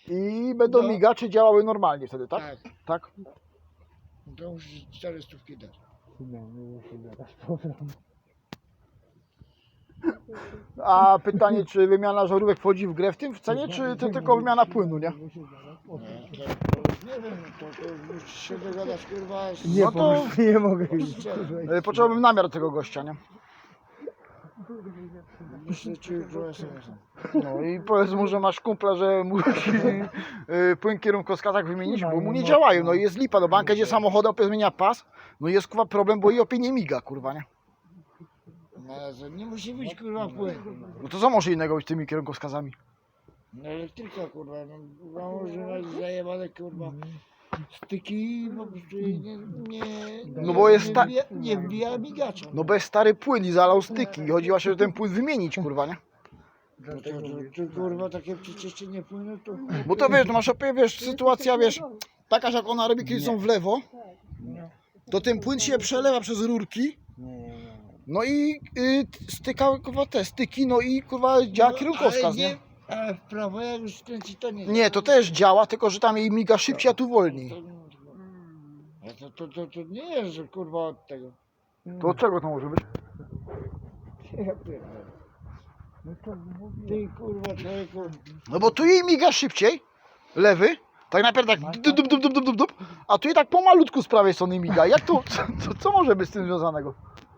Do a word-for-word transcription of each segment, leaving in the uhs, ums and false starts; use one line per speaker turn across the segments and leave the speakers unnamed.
I będą
No.
migacze działały normalnie wtedy, tak?
Tak.
Tak?
To musisz cztery stówki dać.
A pytanie, czy wymiana żarówek wchodzi w grę w tym w cenie, czy to tylko wymiana płynu, nie?
Nie, to, to, nie wiem, to, to musisz się dogadać kurwa z...
Nie, no to
Nie mogę już.
e, potrzebowałbym namiar tego gościa, nie?
Myślę ci jutro es em esem.
No i powiedz mu, że masz kumpla, że musi e, płyn kierunkowskazach wymienić, bo mu nie działają. No i jest lipa, no banka jedzie samochodem, opie zmienia pas, no i jest kurwa problem, bo i opie nie miga, kurwa, nie?
No, ale nie musi być kurwa płyn.
No to co może innego być z tymi kierunkowskazami?
No elektryka kurwa, no kurwa może mieć zajebane kurwa styki, po prostu jej nie, nie,
No bo jest
nie,
ta-
wbija, nie wbija migacza.
No bo jest stary płyn i zalał styki i chodzi właśnie, że ten płyn wymienić, kurwa, nie?
No to, to, to kurwa takie przecież nie płyną to...
Bo to wiesz, no masz opie, wiesz, sytuacja, wiesz, taka, że jak ona robi, kiedy są w lewo, to ten płyn się przelewa przez rurki, no i y, styka, kurwa, te styki, no i kurwa działa kierunkowskaz,
ale
nie?
Ale w prawo jak już skręci to nie.
Nie, to też działa, tylko że tam jej miga szybciej, a tu wolniej.
To, to, to, to, to nie jest, że kurwa od tego.
To od czego to może być?
Ja pierdolę. Ty kurwa człowieku.
No bo tu jej miga szybciej, lewy, tak najpierw tak dup, dup, dup, dup, dup, dup, dup, a tu jej tak pomalutku z prawej strony miga. Jak to, co, co, co może być z tym związanego?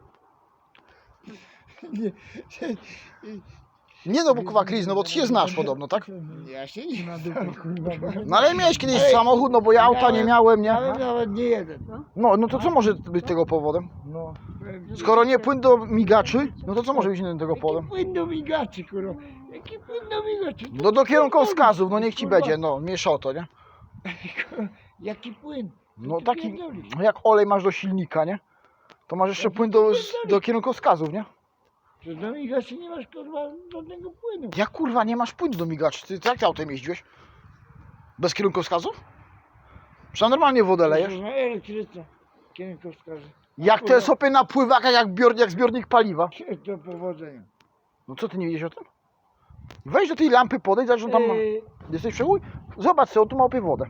Nie,
Nie no, bo kurwa Chris, no bo ty się znasz podobno, tak?
ja się nie
No ale miałeś kiedyś samochód, no bo ja auta nie miałem, nie?
Ale nawet nie jeden.
No, no to co może być tego powodem?
No.
Skoro nie płyn do migaczy, no to co może być innym tego
Jaki
powodem?
płyn do migaczy kurwa. Jaki płyn do migaczy.
No do kierunkowskazów, no niech ci będzie, no, miesza o to, nie?
Jaki płyn.
No
Ty
taki,
pierdolisz.
no jak olej masz do silnika, nie? To masz jeszcze płyn do, do kierunkowskazów, nie?
Że do migaczy nie masz kurwa żadnego płynu.
Jak kurwa nie masz płynu do migaczy? Ty jak ty autem jeździłeś? Bez kierunkowskazów? Przecież normalnie wodę lejesz.
Na elektryce. Kierunkowskazy.
Jak te sobie na pływakach, jak, bior, jak zbiornik paliwa.
Do powodzenia.
No co ty nie wiedziesz o tym? Weź do tej lampy, podejdź, zobacz, że tam ma...
Yy,
Jesteś przegój? Zobacz sobie, on tu ma opie wodę.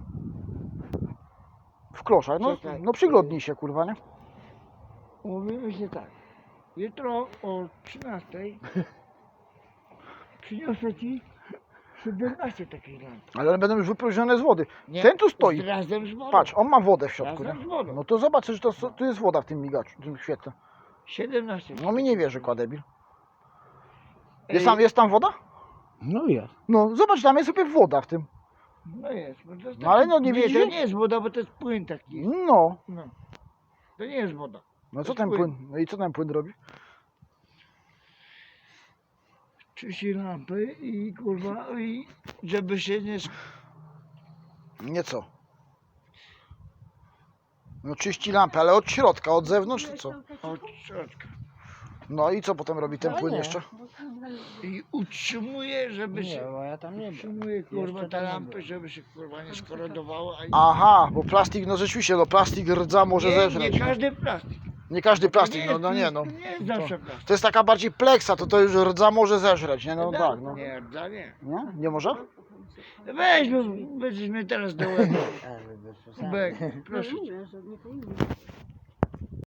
W kloszach, no,
Czekaj.
no przyglądnij się, kurwa, nie?
Umówimy się tak. Jutro o trzynastej przyniosę ci siedemnaście takich lamp.
Ale one będą już wypróżnione z wody.
Nie,
Ten tu stoi.
Razem z wodą.
Patrz, on ma wodę w środku,
Razem
nie?
z wodą.
No to zobacz, że to, tu jest woda w tym migaczu, w tym świetle.
siedemnaście.
No mi nie wierzy, kładebil.
Ej,
Jest tam, jest tam woda?
No jest.
No zobacz, tam jest sobie woda w tym.
No jest. Bo to jest
No ale
taki-
no nie
nie,
widzisz?
to nie jest woda, bo to jest płyn taki.
No.
No. To nie jest woda.
No
To
co
jest
ten
płyn.
płyn? No i co ten płyn robi?
Czyści lampy i kurwa, i żeby się nie... sk-
Nie co? No czyści lampę, ale od środka, od zewnątrz czy co?
Od środka.
No i co potem robi ten
Ale
płyn
nie.
jeszcze?
I utrzymuje, żeby
Nie,
się...
bo ja tam nie byłem.
Utrzymuje kurwa
Jeszcze
te
tam nie
lampy,
byłem.
żeby się kurwa nie skorodowało. A
Aha, bo plastik, no rzeczywiście, no plastik rdza może
nie,
zeżreć.
nie każdy plastik.
Nie każdy
To
plastik, no,
jest-
no nie no.
To nie jest zawsze plastik.
To jest taka bardziej pleksa, to to już rdza może zeżreć, nie? No tak, no.
Nie, dla nie.
Nie? Nie może?
Weź, no, będziesz mnie teraz do łeba.
Ale bez przesady.
Bek, proszę cię.
Mówię, że nie powinno.